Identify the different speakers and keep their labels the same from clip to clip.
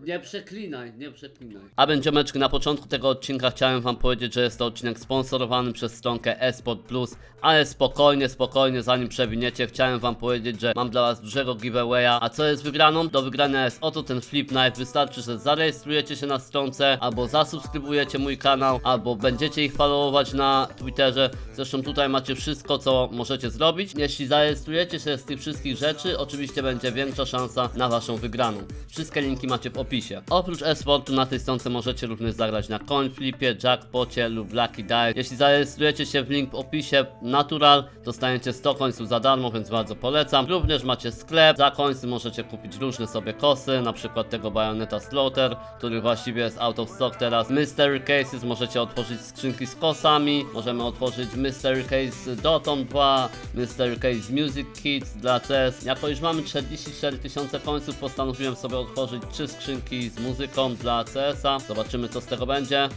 Speaker 1: Nie przeklinaj, nie przeklinaj.
Speaker 2: A będziemeczki, na początku tego odcinka chciałem wam powiedzieć, że jest to odcinek sponsorowany przez stronkę eSport Plus, ale spokojnie, zanim przewiniecie, chciałem wam powiedzieć, że mam dla was dużego giveawaya. A co jest wygraną? Do wygrania jest oto ten Flip Knife. Wystarczy, że zarejestrujecie się na stronce, albo zasubskrybujecie mój kanał, albo będziecie ich followować na Twitterze. Zresztą tutaj macie wszystko, co możecie zrobić. Jeśli zarejestrujecie się z tych wszystkich rzeczy, oczywiście będzie większa szansa na waszą wygraną. Wszystkie linki macie w opisie. Oprócz eSportu na tej stronce możecie również zagrać na CoinFlipie, Jackpocie lub Lucky Die. Jeśli zarejestrujecie się w link w opisie Natural, dostaniecie 100 końców za darmo, więc bardzo polecam. Również macie sklep, za końcy możecie kupić różne sobie kosy, na przykład tego Bayonetta Slaughter, który właściwie jest out of stock teraz. Mystery Cases, możecie otworzyć skrzynki z kosami, możemy otworzyć Mystery Case Dotton 2, Mystery Case Music Kits dla CS. Jako już mamy 44 000 końców, postanowiłem sobie otworzyć 3 skrzynki z muzyką dla CS-a. Zobaczymy, co z tego będzie.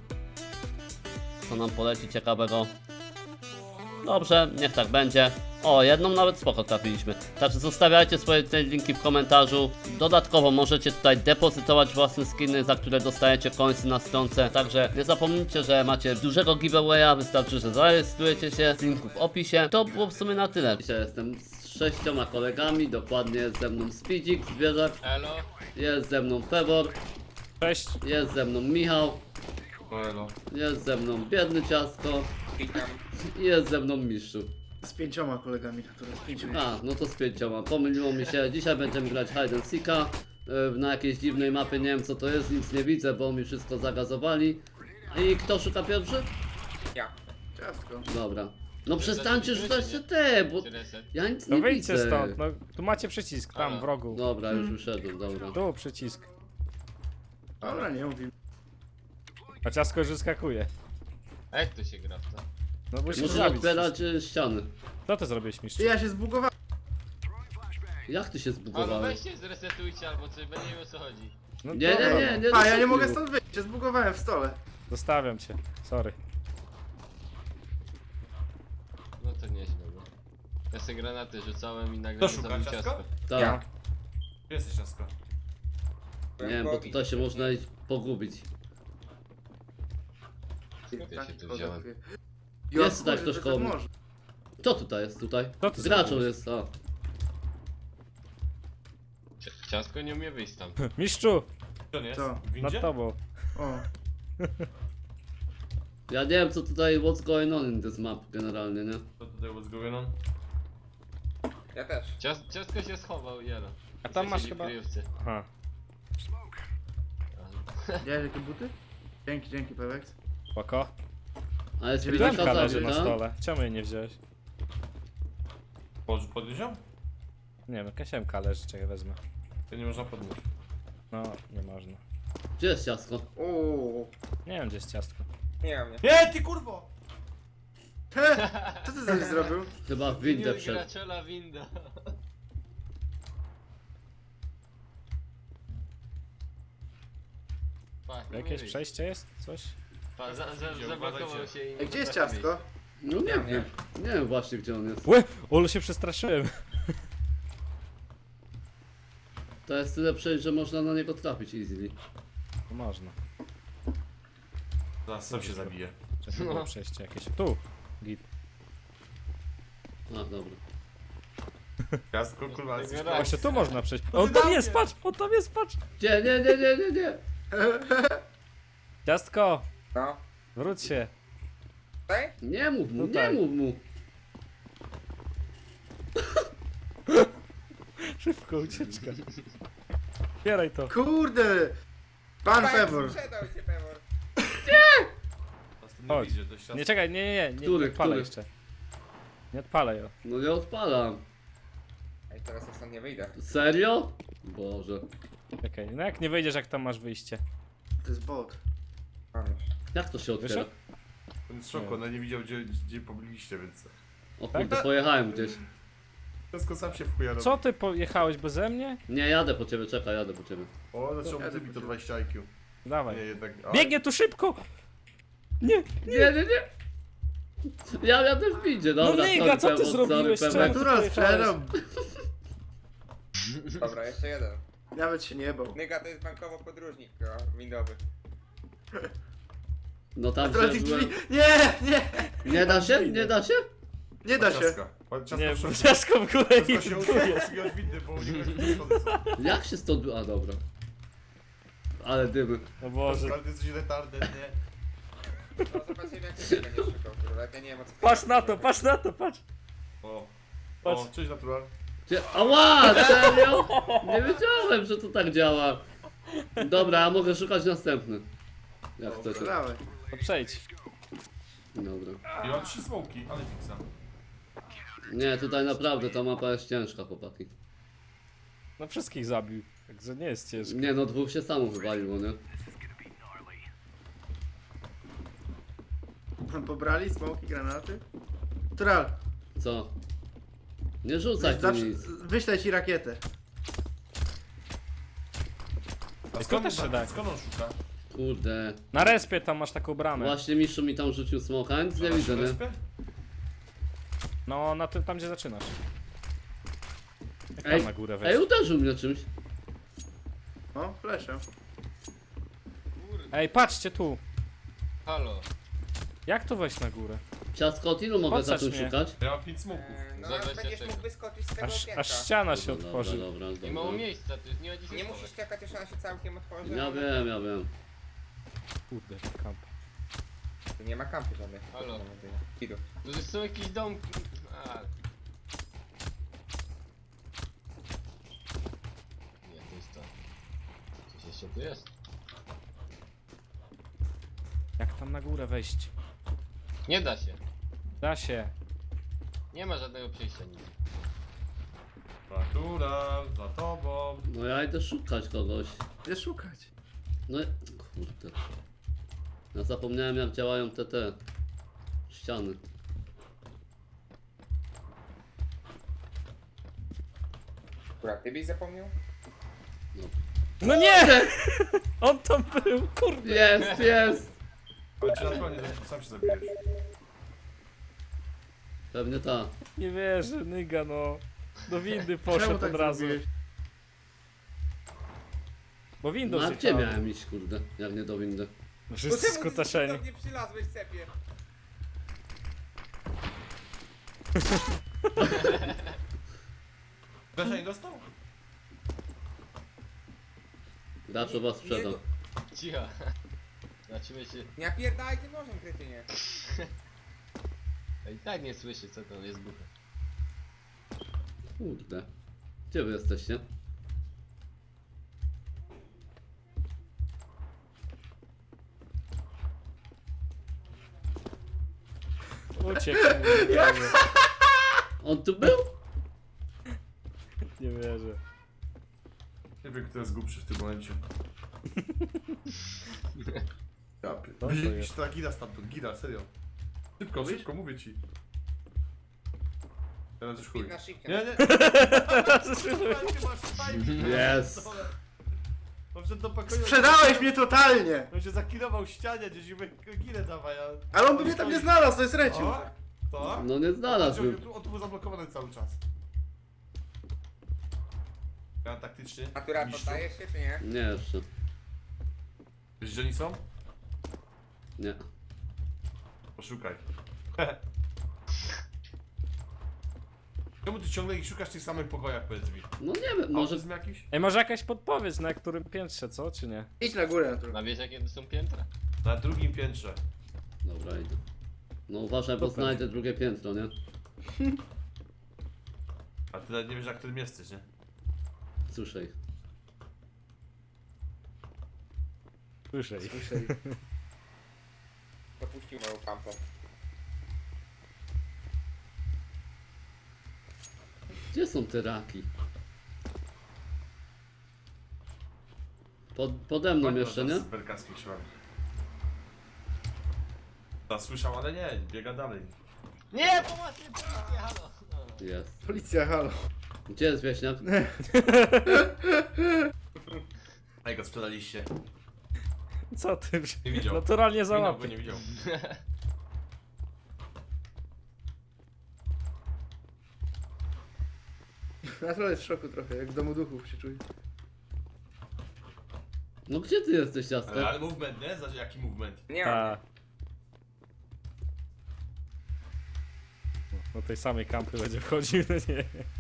Speaker 2: Co nam poleci ciekawego. Dobrze, niech tak będzie. O, jedną nawet spoko trafiliśmy. Także zostawiajcie swoje linki w komentarzu. Dodatkowo możecie tutaj depozytować własne skiny, za które dostajecie końce na stronce. Także nie zapomnijcie, że macie dużego giveawaya. Wystarczy, że zarejestrujecie się z linku w opisie. To było w sumie na tyle. Dzisiaj jestem z 6 kolegami. Dokładnie jest ze mną Speedzik, zwierzak.
Speaker 3: Elo.
Speaker 1: Jest ze mną Febor.
Speaker 4: Cześć.
Speaker 1: Jest ze mną Michał.
Speaker 3: Elo.
Speaker 1: Jest ze mną Biedny Ciastko.
Speaker 3: Witam.
Speaker 1: I jest ze mną Mistrzu.
Speaker 5: Z 5 kolegami, które z 5.
Speaker 1: A, no to z 5. Pomyliło mi się. Dzisiaj będziemy grać Hide and Seeka na jakiejś dziwnej mapie. Nie wiem, co to jest, nic nie widzę, bo mi wszystko zagazowali. I kto szuka pierwszy?
Speaker 3: Ja.
Speaker 5: Ciastko.
Speaker 1: Dobra. No przestańcie rzucać się te, bo ja nic
Speaker 4: No
Speaker 1: nie
Speaker 4: wyjdźcie
Speaker 1: widzę.
Speaker 4: stąd, no tu macie przycisk, tam
Speaker 3: A.
Speaker 4: w rogu.
Speaker 1: Dobra, już wyszedłem, dobra.
Speaker 4: Tu przycisk.
Speaker 5: Dobra, nie mówimy.
Speaker 4: A ciasko już wyskakuje.
Speaker 3: A jak to się gra w to?
Speaker 4: No musisz
Speaker 1: Muszę
Speaker 4: zabić.
Speaker 1: otwierać ściany.
Speaker 4: Co ty zrobiłeś, mistrz?
Speaker 5: Ty, ja się zbugowałem.
Speaker 1: Jak ty się
Speaker 3: Albo
Speaker 1: zbugowałeś?
Speaker 3: weźcie zresetujcie albo coś, będę wiem o co chodzi.
Speaker 4: No
Speaker 1: Nie,
Speaker 4: dobra.
Speaker 1: nie, nie, nie.
Speaker 5: A, ja nie
Speaker 1: dosypił.
Speaker 5: mogę stąd wyjść, się zbugowałem w stole.
Speaker 4: Zostawiam cię, sorry.
Speaker 3: No to nieźle, no. Ja sobie granaty rzucałem i nagle
Speaker 6: To
Speaker 3: mnie
Speaker 6: szuka
Speaker 3: zabił
Speaker 6: ciastko?
Speaker 3: ciastko.
Speaker 1: Tak.
Speaker 6: Gdzie jesteś, ciastko?
Speaker 1: Nie wiem, bo tutaj się można iść pogubić.
Speaker 3: Skąd ja się tu wziąłem?
Speaker 1: Jest tutaj ktoś koło mnie.
Speaker 5: może.
Speaker 1: Kto tutaj jest tutaj?
Speaker 4: Co ty
Speaker 1: Graczą
Speaker 4: zrobiłeś?
Speaker 1: jest, a.
Speaker 3: Ciastko nie umie wyjść tam.
Speaker 4: Mistrzu,
Speaker 6: Gdzie on jest?
Speaker 5: Co?
Speaker 6: W windzie?
Speaker 4: nad tobą.
Speaker 5: O,
Speaker 1: Ja nie wiem, co tutaj, what's going on in this map generalnie, nie?
Speaker 6: Co tutaj what's going on?
Speaker 7: Ja też.
Speaker 3: Ciastko się schował, jelo.
Speaker 4: A tam masz
Speaker 3: Siedzi w
Speaker 4: chyba-
Speaker 3: kryjówce.
Speaker 4: Aha.
Speaker 5: widziałeś jakie buty? Dzięki, Pewex.
Speaker 4: Spoko.
Speaker 1: A jest
Speaker 5: Dziewięćdziesiąt
Speaker 4: Klemka
Speaker 1: pilota
Speaker 4: leży na
Speaker 1: zabita.
Speaker 4: stole. Czemu jej nie wziąłeś?
Speaker 6: Podnieś ją?
Speaker 4: Nie wiem, jakaś MK leży, czekaj wezmę.
Speaker 6: To nie można podnieść.
Speaker 4: No, nie można.
Speaker 1: Gdzie jest ciastko?
Speaker 5: Uuu.
Speaker 4: Nie wiem, gdzie jest ciastko.
Speaker 7: Nie mam, nie.
Speaker 6: Nie, ty kurwo!
Speaker 5: Co ty sobie zrobił?
Speaker 1: Chyba w windę
Speaker 3: Winda
Speaker 1: wszedł.
Speaker 3: graczela winda. Pa, nie
Speaker 4: Jakieś
Speaker 3: wyjść.
Speaker 4: przejście jest? Coś?
Speaker 3: Pa,
Speaker 6: Idzie,
Speaker 3: zablokował
Speaker 6: uważajcie.
Speaker 3: się i...
Speaker 5: Ej, gdzie jest
Speaker 3: potrafi
Speaker 5: ciastko?
Speaker 1: No nie wiem. Nie wiem właśnie, gdzie on jest.
Speaker 4: Łe! Olu się przestraszyłem.
Speaker 1: To jest tyle przejść, że można na niego trafić easily.
Speaker 4: No można.
Speaker 6: Zaraz sam się zabije.
Speaker 4: Czekaj, było przejście jakieś. Tu! Git.
Speaker 1: A, dobra.
Speaker 6: Ciastko, kurwa, jesteś
Speaker 3: Tego
Speaker 4: Właśnie tu można przejść.
Speaker 6: No
Speaker 4: On
Speaker 6: ty
Speaker 4: tam
Speaker 6: na
Speaker 4: jest,
Speaker 6: mnie.
Speaker 4: patrz! On tam jest, patrz!
Speaker 1: Gdzie? Nie.
Speaker 4: Ciastko!
Speaker 7: No.
Speaker 4: Wróć się!
Speaker 7: Tutaj?
Speaker 1: Nie mów mu,
Speaker 4: Tutaj.
Speaker 1: nie mów mu.
Speaker 4: Szybko, ucieczka. Bieraj to.
Speaker 5: Kurde! Pan
Speaker 7: Tak,
Speaker 5: Pewor.
Speaker 7: sprzedał się Pewor.
Speaker 6: Nie
Speaker 4: Chodź.
Speaker 6: widzę, to jest ciastko.
Speaker 4: Nie, czekaj, nie
Speaker 1: Który,
Speaker 4: odpalaj
Speaker 1: który?
Speaker 4: jeszcze. Nie odpalaj ją.
Speaker 1: No nie odpalam.
Speaker 7: Ej, teraz ja stąd nie wyjdę.
Speaker 1: Serio? Boże.
Speaker 4: Czekaj, no jak nie wyjdziesz, jak tam masz wyjście?
Speaker 5: To jest bot.
Speaker 7: Mam już.
Speaker 1: Jak to się otwiera?
Speaker 4: Wyszedł?
Speaker 6: On jest w szoku, ona nie widział gdzie pobiliście, więc...
Speaker 1: O kurde, pojechałem gdzieś.
Speaker 6: Ciastko sam się w chuja robi.
Speaker 4: Co ty pojechałeś beze mnie?
Speaker 1: Nie, jadę po ciebie, czekaj, jadę po ciebie.
Speaker 6: O, zaczął mi to 20 IQ. Nie,
Speaker 4: Dawaj.
Speaker 6: jednak... A,
Speaker 4: Biegnie tu szybko! Nie!
Speaker 1: Nie. Ja jadę w windzie, dobra,
Speaker 4: No Niga, co ty
Speaker 1: Pewor,
Speaker 4: zrobiłeś?
Speaker 1: Pewor.
Speaker 4: Czemu?
Speaker 5: Natural sprzedał.
Speaker 7: Dobra, jeszcze jeden.
Speaker 5: Nawet się nie bał.
Speaker 7: Nyga to jest bankowo podróżnik, windowy.
Speaker 1: No tam
Speaker 5: Teraz
Speaker 1: się
Speaker 5: tych
Speaker 1: byłem...
Speaker 5: drzwi. Nie, nie!
Speaker 1: Nie da się? Nie da się?
Speaker 5: Nie da się.
Speaker 6: Ciastka. Ciastka
Speaker 4: Nie,
Speaker 6: w środku.
Speaker 4: ciasko w górę
Speaker 6: Ciastka się
Speaker 4: i
Speaker 6: usunąć windy, bo nie wiem, gdzie schody są.
Speaker 1: Jak się stąd... A dobra. Ale dymy.
Speaker 4: O Boże.
Speaker 6: Ale ty jesteś retarded, nie?
Speaker 7: No zobaczymy jak ty będziesz szukał, kurwa, jak ja nie wiem o co...
Speaker 4: Patrz na to, patrz na to, patrz.
Speaker 6: O.
Speaker 4: Patrz.
Speaker 6: O, cześć natural.
Speaker 1: Ała, serio? Nie wiedziałem, że to tak działa. Dobra, a mogę szukać następny. Jak chcecie.
Speaker 5: Dawaj.
Speaker 4: To przejdź.
Speaker 1: Dobra.
Speaker 6: I mam 3 smoki, ale fixa.
Speaker 1: Nie, tutaj naprawdę ta mapa jest ciężka, chłopaki.
Speaker 4: No wszystkich zabił. Także nie jest ciężko.
Speaker 1: Nie no, dwóch się samo wywaliło, nie?
Speaker 5: Pobrali smoki, granaty? Tural,
Speaker 1: Co? Nie rzucaj tu nic.
Speaker 5: wyślę ci rakietę.
Speaker 6: A
Speaker 4: to też się da.
Speaker 6: Skąd on szuka?
Speaker 1: Kurde.
Speaker 4: Na respie tam masz taką bramę.
Speaker 1: Właśnie Miszu mi tam rzucił smoka, nic nie widzę, nie?
Speaker 6: Wyspę?
Speaker 4: No, na tym, tam gdzie zaczynasz. Jak
Speaker 1: Ej,
Speaker 4: tam na górę
Speaker 1: Ej,
Speaker 4: wejść.
Speaker 1: uderzył mnie czymś.
Speaker 5: O, fleszę.
Speaker 4: Ej, patrzcie tu.
Speaker 3: Halo.
Speaker 4: Jak tu wejść na górę?
Speaker 1: Ciastko, od ilu mogę
Speaker 4: Podsadź
Speaker 1: zacząć
Speaker 4: mnie.
Speaker 1: szukać?
Speaker 6: Ja mam 5 smoków.
Speaker 7: No
Speaker 3: Za
Speaker 7: aż będziesz
Speaker 3: 24.
Speaker 7: mógł wyskoczyć z tego piętra.
Speaker 4: Aż ściana się
Speaker 1: Dobra,
Speaker 4: otworzy.
Speaker 1: dobra,
Speaker 3: I mało
Speaker 1: dobra.
Speaker 3: miejsca, to jest nie ma gdzie się
Speaker 7: Nie
Speaker 3: schować.
Speaker 7: musisz czekać, aż ona się całkiem otworzy.
Speaker 1: Ja
Speaker 7: ale-
Speaker 1: wiem, ja wiem.
Speaker 4: Kurde, kamp.
Speaker 7: Tu nie ma kampy żadnych.
Speaker 3: Halo.
Speaker 7: Idu.
Speaker 3: To są jakieś domki. A. Nie, to jest to. Coś jeszcze tu jest?
Speaker 4: Jak tam na górę wejść?
Speaker 3: Nie da się.
Speaker 4: Da się.
Speaker 3: Nie ma żadnego przejścia nigdzie.
Speaker 6: Natural, za tobą.
Speaker 1: No ja idę szukać kogoś.
Speaker 5: Gdzie szukać?
Speaker 1: No i... Kurde. Ja zapomniałem jak działają te ściany.
Speaker 7: Akurat ty byś zapomniał?
Speaker 4: No nie! On tam był, kurde.
Speaker 1: Jest, jest!
Speaker 6: Ale czy naturalnie sam się zabijesz?
Speaker 1: Pewnie ta.
Speaker 4: Nie wierzę, nyga no. Do windy
Speaker 5: Czemu
Speaker 4: poszedł
Speaker 5: tak
Speaker 4: od razu.
Speaker 5: zrobiłeś?
Speaker 4: Bo Windows
Speaker 1: No a gdzie
Speaker 4: jechał.
Speaker 1: miałem iść, kurde? Jak nie do windy.
Speaker 4: Wszyscy skutaszeni.
Speaker 7: nie przylazłeś, cepie?
Speaker 6: Dasza nie dostał?
Speaker 1: Gracz was sprzedał.
Speaker 3: Cicho. Zobaczymy się.
Speaker 7: Nie napierdaj tym nożem, kretynie.
Speaker 3: I tak nie słyszy co to jest głuche.
Speaker 1: Kurde. Gdzie wy jesteście?
Speaker 4: Uciekł. Nie wierzę.
Speaker 1: On tu był?
Speaker 4: Nie wierzę.
Speaker 6: Nie wiem kto jest głupszy w tym momencie. Ja
Speaker 4: to
Speaker 6: Wyjdzie
Speaker 4: jest?
Speaker 6: się ta gira stamtąd, gira, serio. Szybko, szybko, mówię ci. Teraz już chuj.
Speaker 7: Pik na shifcie.
Speaker 6: Nie, nie. Masz fajnie.
Speaker 1: Jest.
Speaker 6: On wszedł do pokoju.
Speaker 5: Sprzedałeś mnie totalnie!
Speaker 6: On się zakilował w ścianie, gdzieś i girę dawaj, a...
Speaker 5: Ale on by mnie tam nie znalazł, to jest Reciu.
Speaker 6: O, to?
Speaker 1: No nie znalazłbym.
Speaker 6: On tu był zablokowany cały czas. Ja taktycznie.
Speaker 7: Natura
Speaker 6: mistrzu.
Speaker 7: poddajesz się, czy nie?
Speaker 1: Nie jeszcze.
Speaker 6: Wiesz gdzie oni są?
Speaker 1: Nie.
Speaker 6: Poszukaj. Czemu ty ciągle ich szukasz w tych samych pokojach, powiedz mi?
Speaker 1: No nie wiem, może...
Speaker 6: Autyzm jakiś?
Speaker 4: Ej, może jakaś podpowiedź, na którym piętrze, co? Czy nie?
Speaker 5: Idź na górę, Natura.
Speaker 3: A wiesz jakie to są piętra?
Speaker 6: Na drugim piętrze.
Speaker 1: Dobra, idę. No uważaj, bo
Speaker 4: Super.
Speaker 1: znajdę drugie piętro, nie?
Speaker 6: A ty nawet nie wiesz, na którym jesteś, nie?
Speaker 1: Słyszę ich.
Speaker 4: Słyszę ich.
Speaker 5: Słyszeli.
Speaker 7: Dopuścił moją kampę.
Speaker 1: Gdzie są te raki? Pode mną jeszcze, nie?
Speaker 6: Z belkackich siłami. Ta słyszał, ale nie, biega dalej.
Speaker 3: Nie, pomocy, policja, halo! No.
Speaker 1: Jest.
Speaker 5: Policja, halo.
Speaker 1: Gdzie jest wieśniak?
Speaker 6: A jak go sprzedaliście?
Speaker 4: Co ty?
Speaker 6: Nie widział.
Speaker 4: Naturalnie
Speaker 6: Minął go
Speaker 4: załapie.
Speaker 6: nie widział.
Speaker 5: Natura jest w szoku trochę, jak w domu duchów się czuje.
Speaker 1: No gdzie ty jesteś, ciastko?
Speaker 6: Ale movement, nie? Znaczy jaki movement?
Speaker 7: Nie mam.
Speaker 4: Ta. No tej samej kampy będzie wchodził, no nie.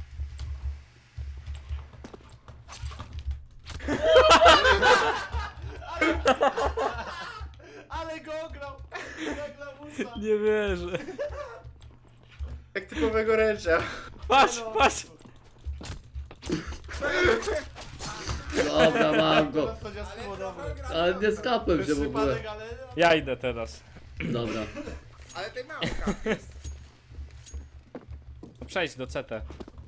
Speaker 6: Ale go ograł! Jak lamusa!
Speaker 4: Nie wierzę.
Speaker 5: Jak typowego ręcza.
Speaker 4: Patrz, patrz!
Speaker 1: Dobra, mam go.
Speaker 6: To ciasto było dobre.
Speaker 1: Ale nie skapłem się
Speaker 6: Bez
Speaker 1: w ogóle.
Speaker 6: przypadek, ale...
Speaker 4: Ja idę teraz.
Speaker 1: Dobra.
Speaker 7: Ale tej mały kap jest.
Speaker 4: Przejdź do CT.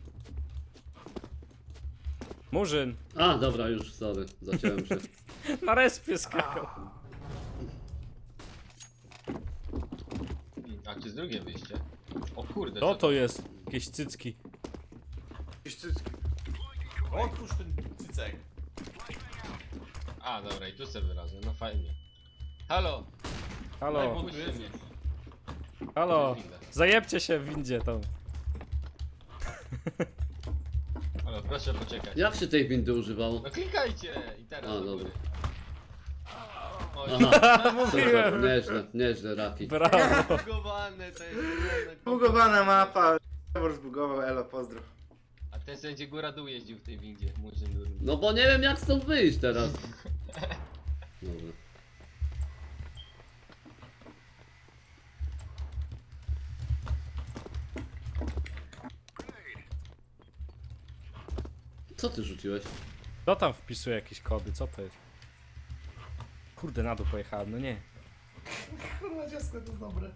Speaker 4: Murzyn.
Speaker 1: A, dobra, już, sorry, zaciąłem się.
Speaker 4: Na respie skakał.
Speaker 3: A czy z drugie wyjście? O kurde,
Speaker 4: Co to jest? Jakieś cycki.
Speaker 5: Jakieś cycki.
Speaker 6: Otwórz ten cycek.
Speaker 3: A, dobra, i tu sobie wyrazę, no fajnie. Halo!
Speaker 4: Halo,
Speaker 3: Puśćcie mnie.
Speaker 4: halo. Zajebcie się w windzie tam.
Speaker 3: Halo, proszę poczekać.
Speaker 1: Jak się tej windy używało?
Speaker 3: No klikajcie! I teraz
Speaker 1: A,
Speaker 3: do
Speaker 1: dobra.
Speaker 3: góry. O,
Speaker 1: Aha, super,
Speaker 4: Mówiłem.
Speaker 1: nieźle, nieźle, Raki.
Speaker 4: Brawo.
Speaker 3: zbugowane to jest.
Speaker 5: Zbugowana mapa. Trevor zbugował, elo, pozdro.
Speaker 3: A ten sędzie góra dół jeździł w tej windzie, murzyn durny.
Speaker 1: No bo nie wiem jak stąd wyjść teraz. Dobra. Co ty rzuciłeś?
Speaker 4: Kto tam wpisuje jakieś kody? Co to jest? Kurde, na dół pojechałem, no nie.
Speaker 6: Kurwa, ciasto to jest dobre.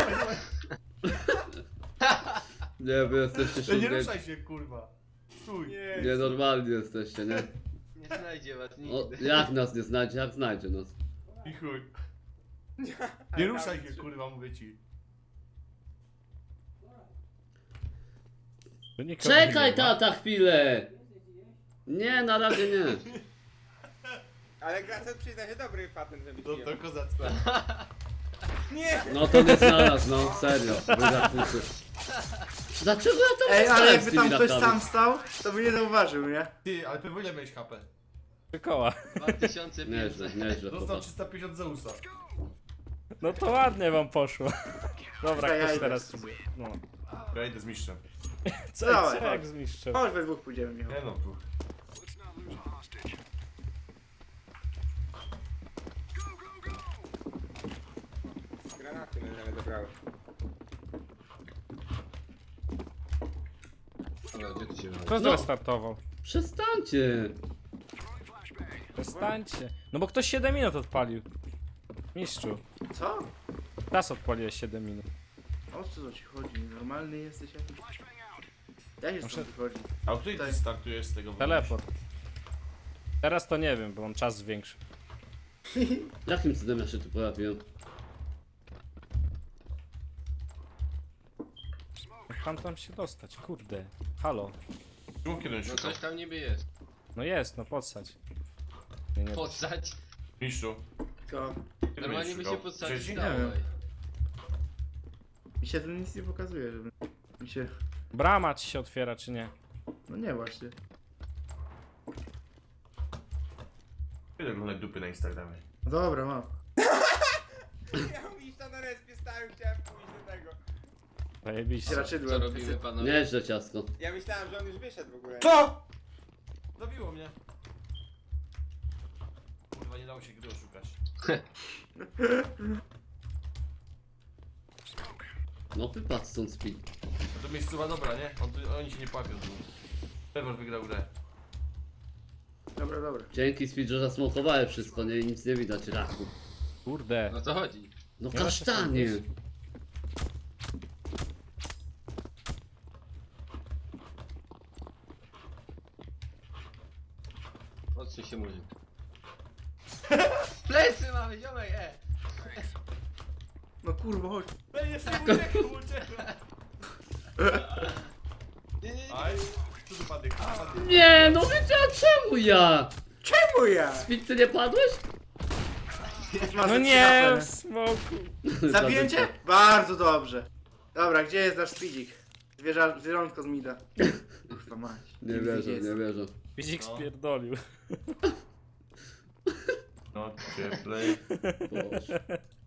Speaker 1: Nie, wy jesteście
Speaker 6: No nie
Speaker 1: szumnie.
Speaker 6: ruszaj się, kurwa. Stój.
Speaker 1: Nienormalni jesteście, nie?
Speaker 3: Nie znajdzie was
Speaker 1: O,
Speaker 3: nigdy.
Speaker 1: jak nas nie znajdzie, jak znajdzie nas?
Speaker 6: I chuj. Nie ruszaj się, kurwa, mówię ci.
Speaker 4: Tu nikogo
Speaker 1: Czekaj,
Speaker 4: nie ma.
Speaker 1: tata, chwilę! Nie, na razie nie.
Speaker 7: Ale Gracet przyzna się dobry patent, żeby
Speaker 6: No to kozacko.
Speaker 7: Nie!
Speaker 1: No to nie znalazł, no serio. Wydatnicy. Dlaczego ja tam
Speaker 5: Ej, ale
Speaker 1: stałem
Speaker 5: jakby
Speaker 1: z tymi
Speaker 5: tam ktoś
Speaker 1: rakami?
Speaker 5: sam stał, to by nie zauważył, nie?
Speaker 6: Ty, ale pewnie ile miałeś HP?
Speaker 4: 3 koła.
Speaker 3: 2500.
Speaker 1: Nieźle, nieźle,
Speaker 6: Dostał
Speaker 1: chłopak.
Speaker 6: 350 Zeusa.
Speaker 4: No to ładnie wam poszło. Dobra,
Speaker 5: Ja
Speaker 4: ktoś
Speaker 5: idę.
Speaker 4: teraz idzie. No.
Speaker 6: Ja idę z mistrzem.
Speaker 4: Co,
Speaker 5: Dawaj,
Speaker 4: co
Speaker 5: chodź.
Speaker 4: jak zniszczę?
Speaker 5: Chodź, we dwóch pójdziemy, Michał.
Speaker 6: Nie no, tu.
Speaker 7: Granaty mnie zabrały.
Speaker 3: Dobra, gdzie ty się wychodzi?
Speaker 4: Kto
Speaker 1: No.
Speaker 4: zrestartował?
Speaker 1: Przestańcie.
Speaker 4: Przestańcie. No bo ktoś 7 minut odpalił. Mistrzu.
Speaker 5: Co?
Speaker 4: Teraz odpaliłeś 7 minut.
Speaker 5: O co ci chodzi? Normalny jesteś jakiś? Ja się
Speaker 4: Muszę-
Speaker 5: stąd wychodzi.
Speaker 6: A o której ty startujesz z tego?
Speaker 4: Teleport. Teraz to nie wiem, bo mam czas większy.
Speaker 1: Jakim cudem ja się tu pojawiłem?
Speaker 4: Jak pan tam się dostać? Kurde. Halo.
Speaker 6: Czemu kiedy on
Speaker 3: No
Speaker 6: szukał?
Speaker 3: coś tam niby jest.
Speaker 4: No jest, no podsadź. Nie, nie.
Speaker 3: Podsać.
Speaker 6: Mistrzu.
Speaker 5: To
Speaker 6: Kiedy
Speaker 3: Normalnie
Speaker 6: będziesz
Speaker 3: by się
Speaker 6: szukał?
Speaker 3: podsadzić
Speaker 6: Trzeci?
Speaker 3: dało.
Speaker 5: Nie wiem.
Speaker 3: ej.
Speaker 5: mi się to nic nie pokazuje, żeby mi się...
Speaker 4: Brama ci się otwiera, czy nie?
Speaker 5: No nie właśnie.
Speaker 6: Kiedy oglądać dupy na Instagramie?
Speaker 5: No dobra, mam.
Speaker 7: Ja mówisz to na respie stałem, chciałem pójść do tego.
Speaker 4: Zajebiście.
Speaker 3: Co
Speaker 5: Raczydłem.
Speaker 3: robimy panowie?
Speaker 1: Nieźle, ciastko.
Speaker 7: Ja myślałem, że on już wyszedł w ogóle.
Speaker 6: Co? Zabiło mnie. Kurwa, nie dało się gry oszukać.
Speaker 1: No wypadł stąd speed.
Speaker 6: No to miejscowa dobra, nie? Oni się nie płapią tu. Trevor wygrał grę.
Speaker 5: Dobra, dobra.
Speaker 1: Dzięki speed, że zasmokowałem wszystko, nie, nic nie widać, Raku.
Speaker 4: Kurde.
Speaker 3: No co chodzi?
Speaker 1: No
Speaker 4: Nie da się stąd
Speaker 1: kasztanie.
Speaker 4: wyjść.
Speaker 3: Odsuń się murzyn. Plecy mamy, ziomek,
Speaker 5: No kurwa, chodź.
Speaker 6: Ej, jeszcze nie uciekł.
Speaker 3: Nie, nie, nie.
Speaker 6: Aj, tu wypadek, wypadek.
Speaker 1: Nie, no wiedziałem czemu ja!
Speaker 5: Czemu ja?
Speaker 1: Speed, ty nie padłeś?
Speaker 4: No nie, w smoku.
Speaker 5: Zabiję cię? Bardzo dobrze. Dobra, gdzie jest nasz speedzik? Zwierzątko z mida. Kurwa mać.
Speaker 1: Nie
Speaker 5: Gdzie
Speaker 1: wierzę,
Speaker 5: jest?
Speaker 1: nie wierzę.
Speaker 4: Widzik
Speaker 6: No.
Speaker 4: spierdolił.
Speaker 6: No, cieplej.
Speaker 1: Boże.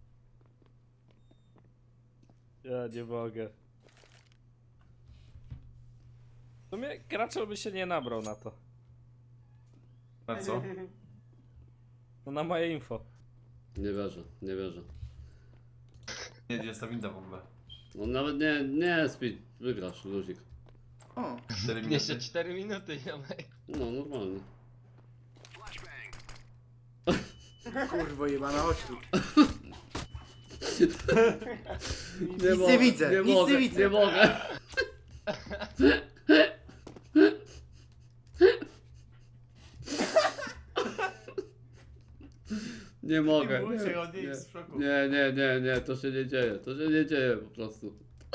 Speaker 4: Ja nie mogę. W sumie Graczol by się nie nabrał na to.
Speaker 6: Na co?
Speaker 4: No na moje info.
Speaker 1: Nie wierzę, nie wierzę.
Speaker 6: Nie, gdzie jest ta winda w ogóle?
Speaker 1: No nawet nie Speed, wygrasz, luzik.
Speaker 5: O,
Speaker 6: 4
Speaker 3: Jeszcze
Speaker 6: minuty.
Speaker 3: 4 minuty, ziomek.
Speaker 1: No, normalnie.
Speaker 5: kurwo jebana, chodź tu.
Speaker 1: Nie
Speaker 5: nie widzę,
Speaker 1: nie
Speaker 5: nic
Speaker 1: mogę,
Speaker 5: nie widzę.
Speaker 1: nie mogę. Nie mogę.
Speaker 6: bój się, on nie jest w szoku.
Speaker 1: Nie, to się nie dzieje, to się nie dzieje po prostu.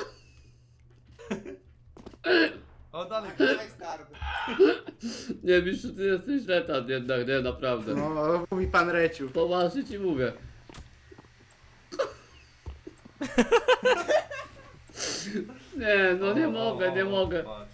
Speaker 6: O, dalej.
Speaker 7: Daj skarb.
Speaker 1: Nie, Mistrzu, ty jesteś letan jednak, nie, naprawdę.
Speaker 5: No, mówi pan Reciu.
Speaker 1: Poważnie ci mówię. Nie, no nie mogę, nie mogę.
Speaker 6: Patrz.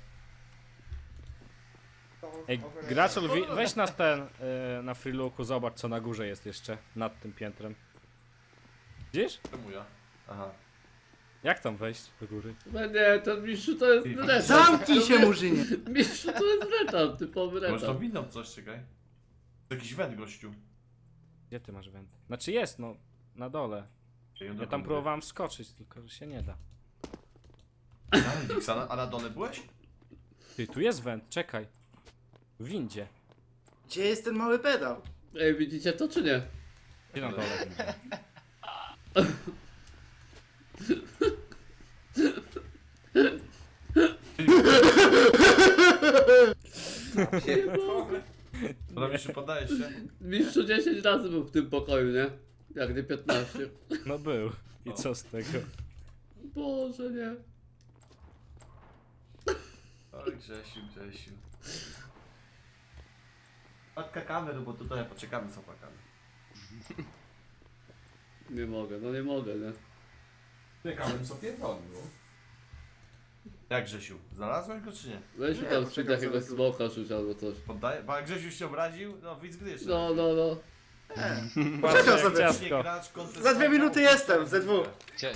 Speaker 4: Ej, Graczol, weź nas ten na freelooku, zobacz co na górze jest jeszcze, nad tym piętrem. Widzisz?
Speaker 6: Czemu ja? Aha.
Speaker 4: Jak tam wejść do góry?
Speaker 1: No nie, to Mistrzu to jest letan.
Speaker 5: Zamknij się, murzynie.
Speaker 1: Mistrzu to jest letan, typowy
Speaker 6: Może to
Speaker 1: letan.
Speaker 6: windą coś, czekaj. To jakiś węd, gościu.
Speaker 4: Gdzie ty masz węd? Znaczy jest, no, na dole. Ja tam próbowałem wskoczyć, tylko że się nie da.
Speaker 6: Dalej, Wiksa, a na dole byłeś?
Speaker 4: Ty, tu jest węd, czekaj. W windzie.
Speaker 5: Gdzie jest ten mały pedał?
Speaker 1: Ej, widzicie to czy nie?
Speaker 4: Gdzie na dole?
Speaker 6: To tam jeszcze poddajesz się?
Speaker 1: Mistrzu 10 razy był w tym pokoju, nie? Jak nie 15.
Speaker 4: No był. I co z tego?
Speaker 1: Boże, nie.
Speaker 6: Oj, Grzesiu. Patka kamer, bo tutaj poczekamy co pakamy.
Speaker 1: Nie mogę, no nie mogę, nie?
Speaker 6: Czekamy sobie bronił. Jak Grzesiu? Znalazłeś go czy nie?
Speaker 1: Weź mi
Speaker 5: Nie,
Speaker 1: tam
Speaker 5: poczekam
Speaker 1: Speed jakiegoś
Speaker 5: sobie tu.
Speaker 1: smoka rzuć albo coś.
Speaker 6: Poddaję? Bo jak Grzesiu się obraził, no widz gry jeszcze.
Speaker 1: No.
Speaker 4: Patrz,
Speaker 5: Czekam
Speaker 4: jak
Speaker 5: sobie.
Speaker 4: ciastko.
Speaker 5: Za 2 minuty jestem, ze 2.
Speaker 3: Cie...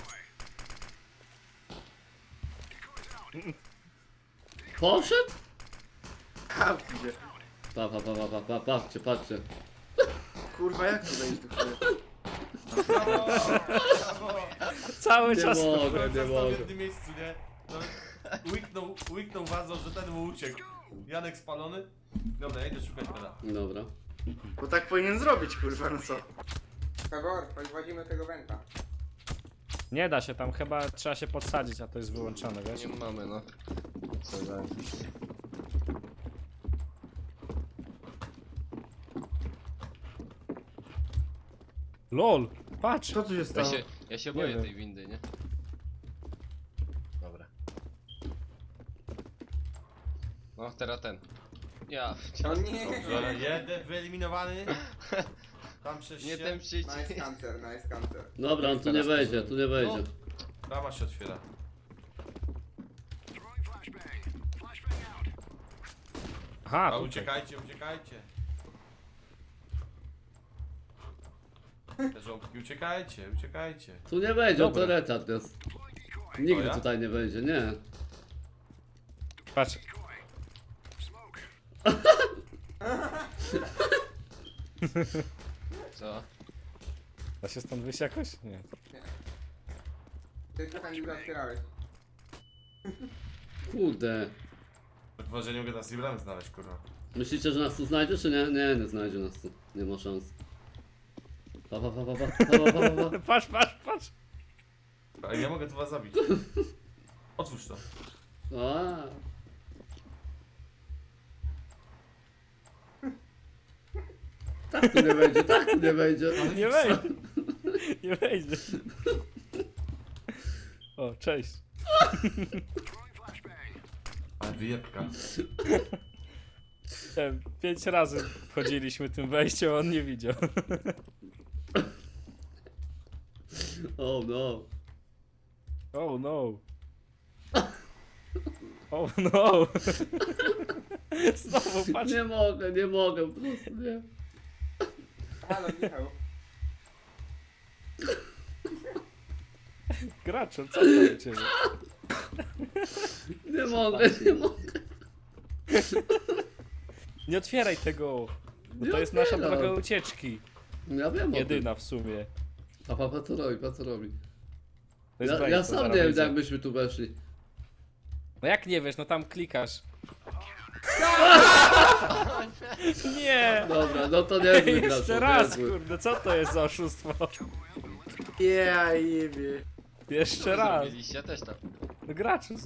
Speaker 1: Poszedł?
Speaker 5: Zamknij się.
Speaker 1: Patrzcie.
Speaker 5: Kurwa, jak tu wejść do chuja?
Speaker 4: Cały
Speaker 1: Nie
Speaker 4: czas.
Speaker 1: mogę, nie
Speaker 6: Został w
Speaker 1: mogę.
Speaker 6: jednym miejscu, nie? No, łyknął wazą, że ten mu uciekł. Janek spalony? Dobra, ja idę szukać peda.
Speaker 1: Dobra.
Speaker 5: Bo tak powinien zrobić, kurwa, no co?
Speaker 7: Pegor, podwodzimy tego węta.
Speaker 4: Nie da się, tam chyba trzeba się podsadzić, a to jest wyłączone, wiesz?
Speaker 3: Nie mamy, no. Co za...
Speaker 4: LOL, patrz!
Speaker 5: Co tu się
Speaker 3: Ja
Speaker 5: stało?
Speaker 3: się boję
Speaker 4: wiem.
Speaker 3: tej windy, nie? Dobra. No, teraz ten. Ja,
Speaker 7: O nie!
Speaker 6: Dobrze, jeden wyeliminowany. Tam przez
Speaker 3: nie
Speaker 6: się.
Speaker 3: ten przycisk.
Speaker 7: Nice cancer, nice cancer.
Speaker 1: Dobra, on tu nie wejdzie, tu nie wejdzie.
Speaker 6: Brama się otwiera.
Speaker 4: Aha,
Speaker 6: A
Speaker 4: tutaj.
Speaker 6: uciekajcie. Te żołbki, uciekajcie.
Speaker 1: Tu nie wejdzie,
Speaker 4: Dobra.
Speaker 1: to retard jest. Nigdy
Speaker 6: O ja?
Speaker 1: tutaj nie wejdzie, nie.
Speaker 4: Patrz.
Speaker 3: Co?
Speaker 4: Da się stąd wyjść jakoś? Nie.
Speaker 7: Ty trochę nie otwierałeś.
Speaker 1: Kurde.
Speaker 6: Chyba, że nie mogę nas nie bramy znaleźć, kurwa.
Speaker 1: Myślicie, że nas tu znajdzie, czy nie? Nie znajdzie nas tu. Nie ma szans. Pa.
Speaker 4: Patrz!
Speaker 6: Ale ja mogę tu was zabić. Otwórz to.
Speaker 1: A. Tak tu nie wejdzie, tak tu nie wejdzie.
Speaker 4: Nie wejdzie! Nie wejdzie! O, cześć!
Speaker 6: Ale wyjebka.
Speaker 4: 5 razy wchodziliśmy tym wejściem, a on nie widział.
Speaker 1: Oh no.
Speaker 4: Oh no! Oh no! Znowu patrz!
Speaker 1: Nie mogę, po prostu nie.
Speaker 7: Halo, Michał.
Speaker 4: Graczol, co tam u ciebie?
Speaker 1: Nie mogę, nie mogę.
Speaker 4: Nie otwieraj tego! Bo
Speaker 1: Nie
Speaker 4: to jest nasza
Speaker 1: otwieram.
Speaker 4: droga ucieczki.
Speaker 1: Ja wiem o tym.
Speaker 4: Jedyna w sumie.
Speaker 1: Pa, co robi, pa, co robi.
Speaker 4: To jest
Speaker 1: Ja
Speaker 4: Brains, to
Speaker 1: sam
Speaker 4: zaraz
Speaker 1: nie wiem,
Speaker 4: wyjdzie.
Speaker 1: jak byśmy tu weszli.
Speaker 4: No jak nie wiesz, no tam klikasz. Nie!
Speaker 1: Dobra, no to niezły gracz.
Speaker 4: Jeszcze raz, kurde, co to jest za oszustwo?
Speaker 5: Ja jebie.
Speaker 4: Jeszcze raz.
Speaker 3: Zrobiliście też tak.
Speaker 4: No graczu.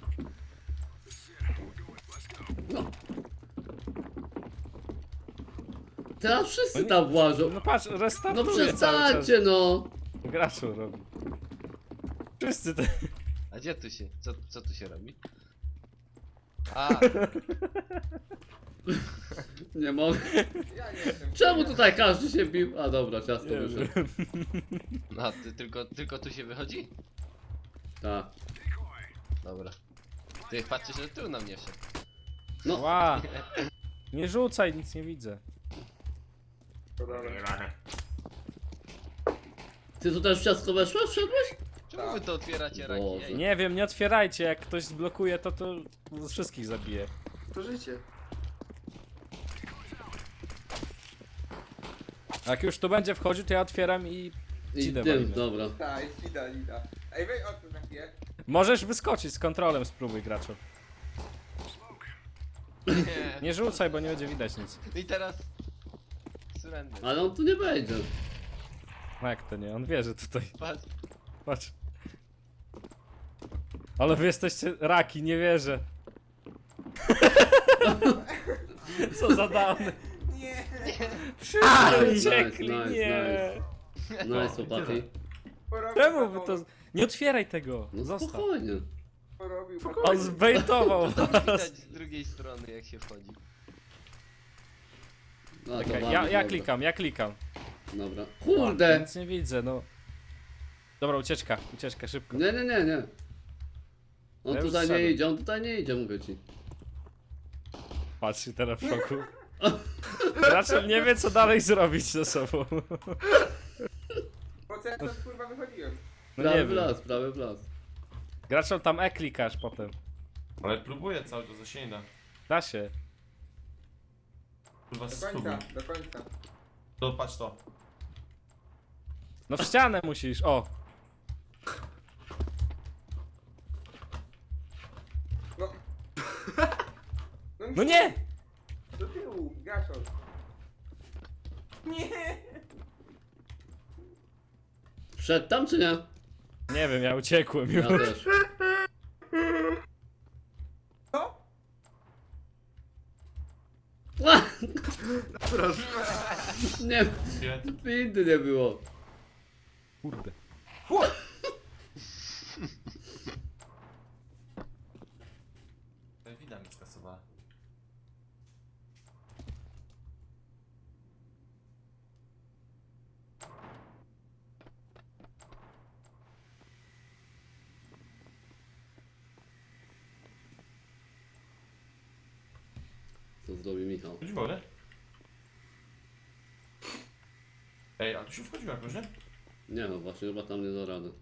Speaker 1: Teraz wszyscy tam włażą.
Speaker 4: No patrz,
Speaker 1: No
Speaker 4: restartuje cały czas.
Speaker 1: przestańcie no.
Speaker 4: Graczu robi. Wszyscy te...
Speaker 3: A gdzie tu się? Co tu się robi? A,
Speaker 1: Nie mogę.
Speaker 7: Ja nie jestem.
Speaker 1: Czemu tutaj każdy się bił? A dobra, ciasto
Speaker 4: Nie
Speaker 1: wyszedł.
Speaker 4: wiem.
Speaker 3: no ty, tylko tu się wychodzi?
Speaker 1: Tak.
Speaker 3: Dobra. Ty patrzysz, że tu na mnie wszedł.
Speaker 1: No.
Speaker 4: Ła! Nie rzucaj, nic nie widzę.
Speaker 1: Ty tu też w ciastko weszłeś? Wszedłeś?
Speaker 3: Czemu wy to otwieracie raki?
Speaker 1: Boże.
Speaker 3: Ej,
Speaker 4: Nie wiem, nie otwierajcie, jak ktoś zblokuje to wszystkich zabije.
Speaker 5: To życie.
Speaker 4: A jak już tu będzie wchodził, to ja otwieram i
Speaker 1: I
Speaker 4: Dzidę
Speaker 1: tym,
Speaker 4: walimy.
Speaker 1: dobra.
Speaker 7: Tak, jest lida. Ej, weź o tym na chwilę.
Speaker 4: możesz wyskoczyć z kontrolem, spróbuj graczu.
Speaker 3: nie.
Speaker 4: Nie rzucaj, bo nie będzie widać nic.
Speaker 3: I teraz... Surrender.
Speaker 1: Ale on tu nie wejdzie.
Speaker 4: No jak to nie? On wie, że tutaj.
Speaker 3: Patrz.
Speaker 4: Patrz. Ale wy jesteście raki, nie wierzę. Co za dawny.
Speaker 7: Nie.
Speaker 4: Wszyscy
Speaker 1: Nice,
Speaker 4: uciekli,
Speaker 1: nice,
Speaker 4: nie.
Speaker 1: Nice, chłopaki.
Speaker 7: Porobił
Speaker 4: Czemu wy to...
Speaker 7: balonu,
Speaker 4: Nie otwieraj tego.
Speaker 1: No
Speaker 4: Zostaw.
Speaker 1: spokojnie.
Speaker 7: Porobił
Speaker 4: On zbejtował
Speaker 3: To
Speaker 4: was.
Speaker 3: widać z drugiej strony jak się wchodzi.
Speaker 1: No, to
Speaker 4: Czekaj,
Speaker 1: mamy,
Speaker 4: ja
Speaker 1: dobra.
Speaker 4: klikam, ja klikam.
Speaker 1: Dobra. Kurde!
Speaker 4: Nic nie widzę, no. Dobra, ucieczka, szybko.
Speaker 1: Nie. On
Speaker 4: Ja już
Speaker 1: tutaj nie
Speaker 4: zszedłem.
Speaker 1: idzie, on tutaj nie idzie, mówię ci.
Speaker 4: Patrzcie teraz w szoku. Raczej nie wie, co dalej zrobić ze sobą.
Speaker 7: Po co ja tam kurwa wychodziłem?
Speaker 4: No
Speaker 1: Prawy
Speaker 4: nie
Speaker 1: w
Speaker 4: wiem.
Speaker 1: las, prawy w las.
Speaker 4: Graczol tam klikasz potem.
Speaker 6: Ale próbuję cały czas, a się nie da.
Speaker 4: Da się.
Speaker 6: Kurwa,
Speaker 7: Do
Speaker 6: spróbuj.
Speaker 7: końca, do końca.
Speaker 6: To patrz to.
Speaker 4: No w ścianę musisz, o.
Speaker 7: No.
Speaker 4: No nie!
Speaker 7: Do tyłu, gaszol. Nie.
Speaker 1: Wszedł tam czy nie?
Speaker 4: Nie wiem, ja uciekłem już.
Speaker 1: Ja też.
Speaker 7: Co?
Speaker 1: Ła!
Speaker 5: Proszę.
Speaker 1: Nie,
Speaker 6: Gdzie?
Speaker 1: windy nie było.
Speaker 4: Kurde.
Speaker 6: Wina mi skasowała.
Speaker 1: Co zrobi Michał?
Speaker 6: Chodź wolę. Ej, a tu się wchodziło jakoś, nie?
Speaker 1: Nie no, właśnie chyba tam nie da rady.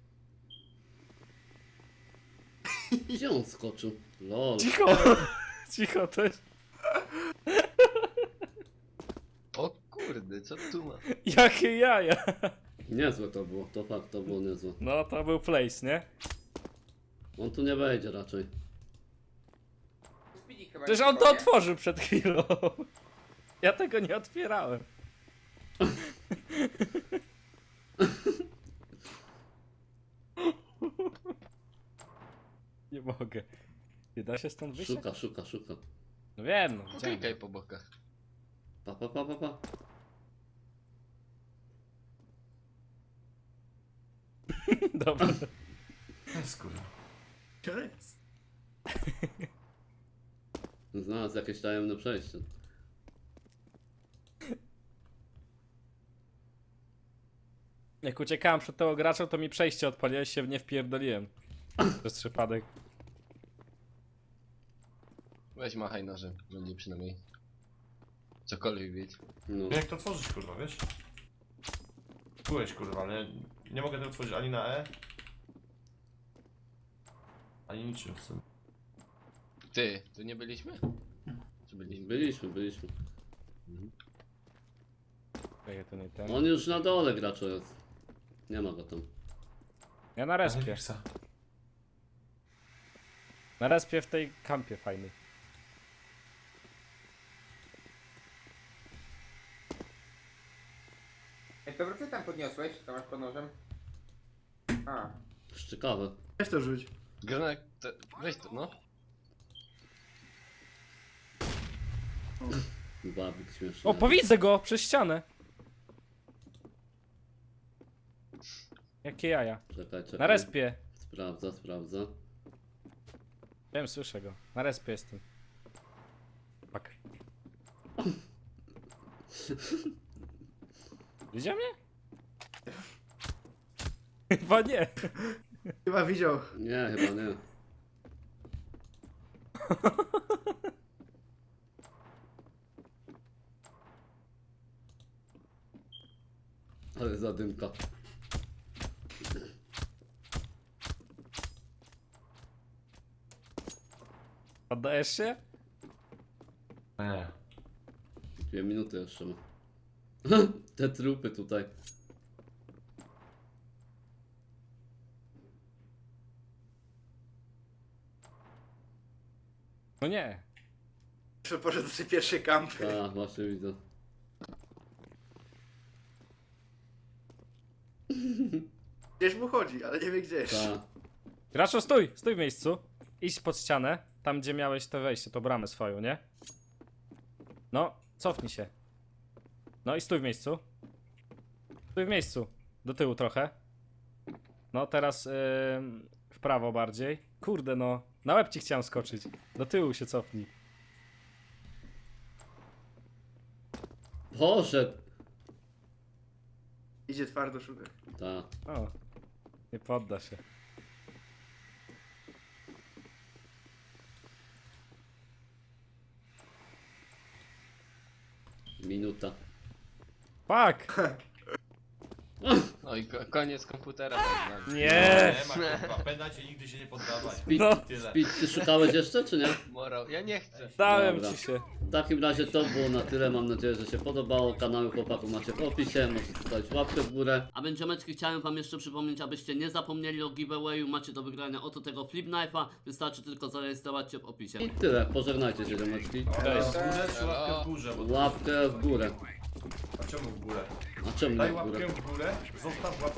Speaker 1: Gdzie on skoczył? Lol.
Speaker 4: Cicho! Cicho, to jest...
Speaker 3: O kurde, co tu ma?
Speaker 4: Jakie jaja!
Speaker 1: Niezłe to było, to fakt, to było niezłe.
Speaker 4: No to był place, nie?
Speaker 1: On tu nie wejdzie raczej.
Speaker 7: Speedzik chyba
Speaker 4: Przecież
Speaker 7: nie
Speaker 4: on to
Speaker 7: wchodzi.
Speaker 4: otworzył przed chwilą. Ja tego nie otwierałem. Nie mogę. Nie da się stąd wyjść?
Speaker 1: Szuka.
Speaker 4: No wiem, no.
Speaker 3: Klikaj
Speaker 4: widziałem.
Speaker 3: po bokach.
Speaker 1: Pa.
Speaker 4: Dobra.
Speaker 6: Skurwa.
Speaker 5: To jest.
Speaker 1: Znalazł jakieś tajemne przejście.
Speaker 4: Jak uciekałem przed tego gracza, to mi przejście odpaliłeś, się nie wpierdoliłem. Przez przypadek.
Speaker 3: Weź machaj nożem, będzie przynajmniej Cokolwiek być.
Speaker 1: No.
Speaker 6: Jak to otworzyć, kurwa, wiesz? Byłeś, kurwa, ale nie mogę tego otworzyć ani na E. Ani niczym w sumie.
Speaker 3: Ty, tu nie byliśmy? Czy byliśmy?
Speaker 1: Byliśmy.
Speaker 4: Czekaj, to nie ten.
Speaker 1: On już na dole graczu jest. Nie ma go tam.
Speaker 4: Ja na respie. Na respie w tej kampie fajnej.
Speaker 7: Ej, dobra, co tam podniosłeś? To masz pod nożem? A.
Speaker 1: Szczekawe.
Speaker 5: Weź to rzuć.
Speaker 3: Granat, weź to, no.
Speaker 1: Babik śmieszny.
Speaker 4: O, powidzę go przez ścianę. Jakie jaja.
Speaker 1: Czekaj.
Speaker 4: Na respie.
Speaker 1: Sprawdza.
Speaker 4: Wiem, słyszę go. Na respie jestem. Fuck. Widział mnie? Chyba nie.
Speaker 5: Chyba widział.
Speaker 1: Nie, chyba nie. Ale zadymka.
Speaker 4: Oddajesz się?
Speaker 6: Nie.
Speaker 1: 2 minuty jeszcze ma. Te trupy tutaj.
Speaker 4: No nie.
Speaker 5: Że poszedł do tej pierwszej kampy.
Speaker 1: Tak, właśnie widzę.
Speaker 5: Gdzieś mu chodzi, ale nie wie gdzie jest.
Speaker 1: Tak.
Speaker 4: Graczu, stój! Stój w miejscu. Idź pod ścianę. Tam, gdzie miałeś to wejście, to bramę swoją, nie? No, cofnij się. No i stój w miejscu. Stój w miejscu. Do tyłu trochę. No, teraz w prawo bardziej. Kurde, no. Na łeb ci chciałem skoczyć. Do tyłu się cofnij.
Speaker 1: Poszedł.
Speaker 5: Idzie twardo szukać.
Speaker 1: Tak.
Speaker 4: O. Nie podda się.
Speaker 1: Minuta.
Speaker 4: Fuck!
Speaker 3: No i koniec komputera przed nami.
Speaker 4: Nie!
Speaker 6: Nie ma, kurwa, pamiętajcie, nigdy się nie poddawaj.
Speaker 1: Speed,
Speaker 6: Tyle.
Speaker 1: Speed, ty szukałeś jeszcze, czy nie?
Speaker 3: Morał, ja nie chcę.
Speaker 4: Dałem
Speaker 1: Dobra.
Speaker 4: ci się.
Speaker 1: W takim razie to było na tyle. Mam nadzieję, że się podobało. Kanały chłopaków macie w opisie. Możecie zostawić łapkę w górę.
Speaker 2: A więc ziomeczki, chciałem wam jeszcze przypomnieć, abyście nie zapomnieli o giveawayu. Macie do wygrania oto tego Flip Knife'a. Wystarczy tylko zarejestrować się w opisie.
Speaker 1: I tyle. Pożegnajcie się, ziomeczki.
Speaker 6: Cześć. W górę czy łapkę w górze? Bo...
Speaker 1: Łapkę w górę.
Speaker 6: A czemu w górę?
Speaker 1: A czemu
Speaker 6: Daj
Speaker 1: nie w górę?
Speaker 6: łapkę w górę, zostaw łapkę